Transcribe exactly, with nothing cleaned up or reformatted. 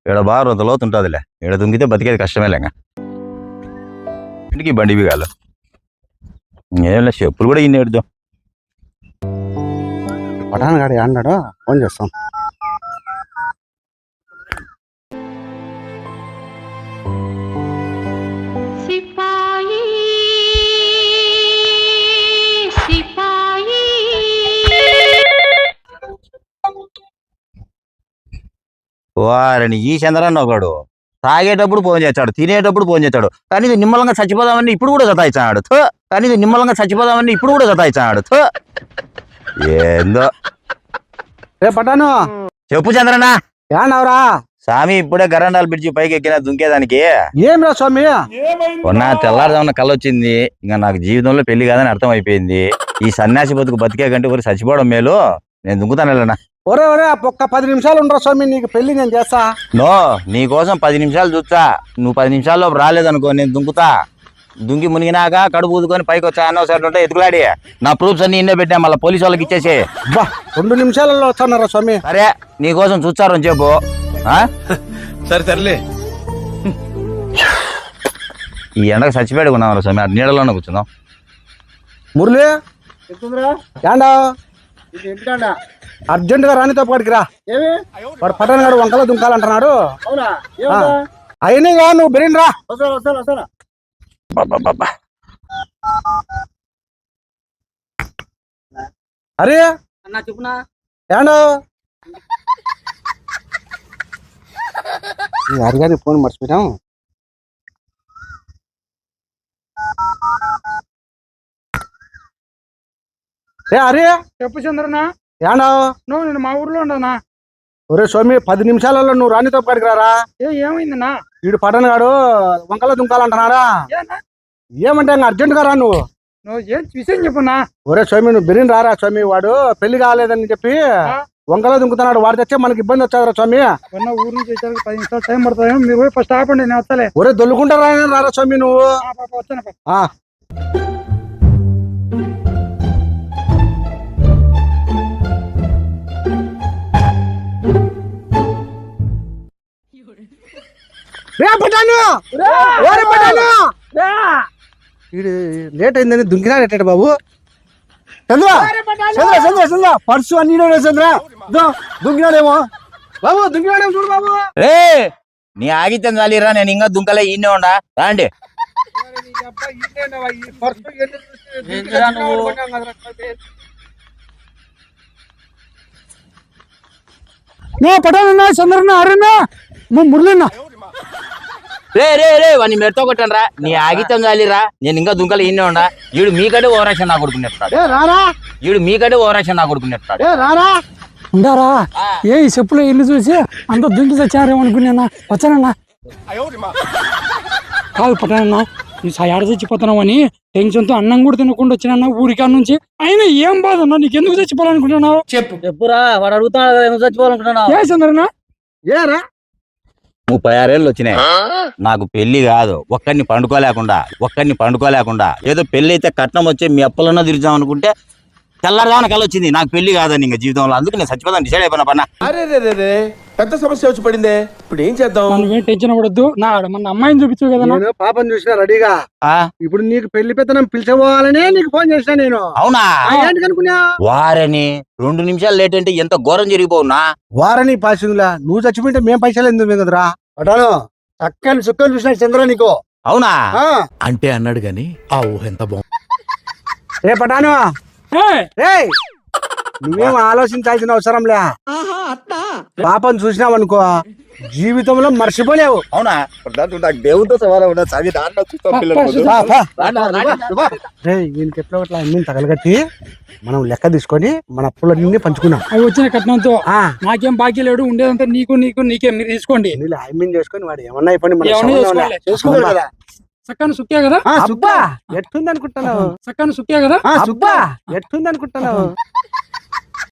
ఈడ బాగా రొంత లోతు ఉంటుందిలే. ఈడ దుంగితే బతికేది కష్టమేలేంగా. ఇంటికి బండి బిగాలు ఏం చెప్పులు కూడా ఇన్ని ఎడుదాం. పటాన్ గాడు అన్నాడు, ఫోన్ చేస్తాం. వారిని ఈ చంద్రన్న ఒకడు తాగేటప్పుడు ఫోన్ చేస్తాడు, తినేటప్పుడు ఫోన్ చేస్తాడు. కానీ ఇది నిమ్మలంగా చచ్చిపోదామని ఇప్పుడు కూడా సతాయిస్తాడు. కానీ ఇది నిమ్మలంగా చచ్చిపోదామని ఇప్పుడు కూడా సతాయిస్తాడు. ఏందో రే పటాను, చెప్పు చంద్రన్న. ఏనవరా స్వామి ఇప్పుడే గరండాలు పిలిచి పైకి ఎక్కిన దుంకేదానికి. ఏం రా స్వామి? మొన్న తెల్లారుదామన్న కళ వచ్చింది. ఇంకా నాకు జీవితంలో పెళ్లి కాదని అర్థం అయిపోయింది. ఈ సన్యాసి బతుకు బతికే కంటే ఊరికి చచ్చిపోవడం మేలు. నేను దుంకుతాను వెళ్ళనా? ఒరే ఒరే ఒక్క పది నిమిషాలు ఉండరా స్వామి, నీకు పెళ్లి నేను చేస్తా. నో, నీ కోసం పది నిమిషాలు చూస్తా. నువ్వు పది నిమిషాల్లో రాలేదనుకో, నేను దుంకుతా. దుంకి మునిగినాక కడుపు ఊదుకొని పైకి వచ్చా అన్న ఒకసారి ఉంటే ఎత్తుకులాడి నా ప్రూఫ్స్ అన్ని ఇన్నే పెట్టా, మళ్ళీ పోలీసు వాళ్ళకి ఇచ్చేసి. బా రెండు నిమిషాలలో వస్తున్నారా స్వామి? సరే నీ కోసం చూస్తారు అని చెప్పు. సరే సర్లే. ఈ ఎండకు చచ్చిపోయాడు ఉన్నాం స్వామి, ఆ నీడలోనే కూర్చుందాం. మురళి ఏండా అర్జెంట్ గా రానితో పాటికి రా. వాడు పటాన్ గారు వంకలో దుంకాలంటున్నాడు. అయినా నువ్వు బెరిన్ రా. అరే అన్నా చెప్పునా ఏండో హరిగారి ఫోన్ మర్చిపోయాం. ఏ అరే చెప్పు చంద్రనా. ఏండో నువ్వు నేను మా ఊర్లో ఉండనా? ఒరే స్వామి, పది నిమిషాలలో నువ్వు రానితో పాటికి రారా. ఏ ఏమైందన్నా? వీడు పటాన్ గాడు వంకలో దుంకాలంటున్నాడా. ఏమంటే ఇంకా అర్జెంట్ గా రా నువ్వు. నువ్వు ఏం విషయం చెప్పున్నా. ఒరే స్వామి, నువ్వు బిరిన్ రారా స్వామి. వాడు పెళ్లి కాలేదని చెప్పి వంకలో దుంకుతున్నాడు. వాడు తెచ్చే మనకి ఇబ్బంది వచ్చారా స్వామి. కొన్న ఊరు నుంచి వచ్చేసరికి పది నిమిషాలు టైం పడుతుందేమో, మీరు పోయి ఫస్ట్ ఆపండి, నేను వస్తలే. ఒరే దొల్లుకుంటారా రారా స్వామి నువ్వు. వచ్చాను. ఆ లేట్ అయిందని దుంకినాడట బాబు. చంద్ర చంద్ర చంద్ర చంద్ర పర్సు అన్ని చంద్ర దుంకినాడేమో బాబు, దుంకినాడేమో చూడు బాబు. రే నీ ఆగితే చాలిరా, నేను ఇంకా దుంకలే ఈయనే ఉండా. రాండి. పటానన్నా చంద్రన్న అరేనా మురళిన్నా. రే రే రే వాడిని మెడతో కొట్టండి రా. నీ ఆగితం చాలిరా, నేను ఇంకా దుంకలే ఈయనే ఉండా. వీడు మీకంటే ఓవరాక్షన్ నా కొడుకునేస్తాడు. వీడు మీకంటే ఓవరాక్షన్ నా కొడుకునేస్తాడు. ఉండారా? ఏ ఈ చెప్పులో ఇల్లు చూసి అంత దుంకి వచ్చారేమో అనుకున్నా. వచ్చానన్నా. కాదు పట్టానన్నా, ఈ ఏడ చచ్చిపోతున్నావు అని టెన్షన్ తో అన్నం కూడా తినకుండా వచ్చినా ఊరికా నుంచి. అయినా ఏం బాధ అన్నా, నీకు ఎందుకు చచ్చిపోవాలనుకుంటున్నావు? చెప్పు చెప్పురా. వాడు అడుగుతున్నాడు ఎందుకు చచ్చిపోవాలనుకుంటున్నావు? ఏ చంద్రనా? ఏరా ముప్పై ఆరేళ్ళు వచ్చినాయి. నాకు పెళ్లి కాదు, ఒక్కడిని పండుకోలేకుండా ఒక్కడిని పండుకోలేకుండా ఏదో పెళ్లి అయితే కట్నం వచ్చి మీ అప్పలన్నా తిరుగుదాం అనుకుంటే తెల్లారదాన కల వచ్చింది. నాకు పెళ్లి కాదని ఇంకా జీవితంలో, అందుకు నేను చచ్చిపోతాను డిసైడ్ అయిపోయినా పన్నా. అరే రే రే పెద్ద సమస్య వచ్చి పడిందే, ఇప్పుడు ఏం చేద్దాం? నువ్వేం టెన్షన్ పడద్దు. నా మన అమ్మాయిని చూపించు కదా. నేను పాపం చూసినా రెడీగా. ఇప్పుడు నీకు పెళ్లి పెత్తనం పిలిచిపోవాలనే నీకు ఫోన్ చేసినా నేను. అవునా? ఏంటి అనుకున్నా? వారని రెండు నిమిషాలు లేట్ అంటే ఎంత ఘోరం జరిగిపోవునా. వారని పాసిందిలా, నువ్వు చచ్చిపోయింటే మేం పైసలు ఎందుకు కదరా. పటాను చక్కని చుక్కలు చూసినా చంద్ర నీకు. అవునా? అంటే అన్నాడు గాని ఆ ఊహ ఎంత బాగుంది. ఏ పటాను, నువ్వేం ఆలోచించాల్సిన అవసరం లే. పాపం చూసినావు అనుకో జీవితంలో మర్చిపోలేవు. అవునా? దేవుడితో సవాలు దీనికి ఎట్లా అట్లా అన్ని తగలగట్టి మనం లెక్క తీసుకొని మన అప్పులన్నీ పంచుకున్నాం. అవి వచ్చిన కట్నంతో నాకేం బాకీ లేడు, ఉండేదంతా నీకు నీకు నీకే, మీరు తీసుకోండి. ఐమీన్ చేసుకొని వాడు ఏమన్నా అయిపోయింది కదా. సక్కని సుక్కే కదా. అబ్బా ఎట్టుంది అనుకుంటున్నావు? సక్కని సుక్కే కదా. అబ్బా ఎట్టుంది అనుకుంటున్నావు?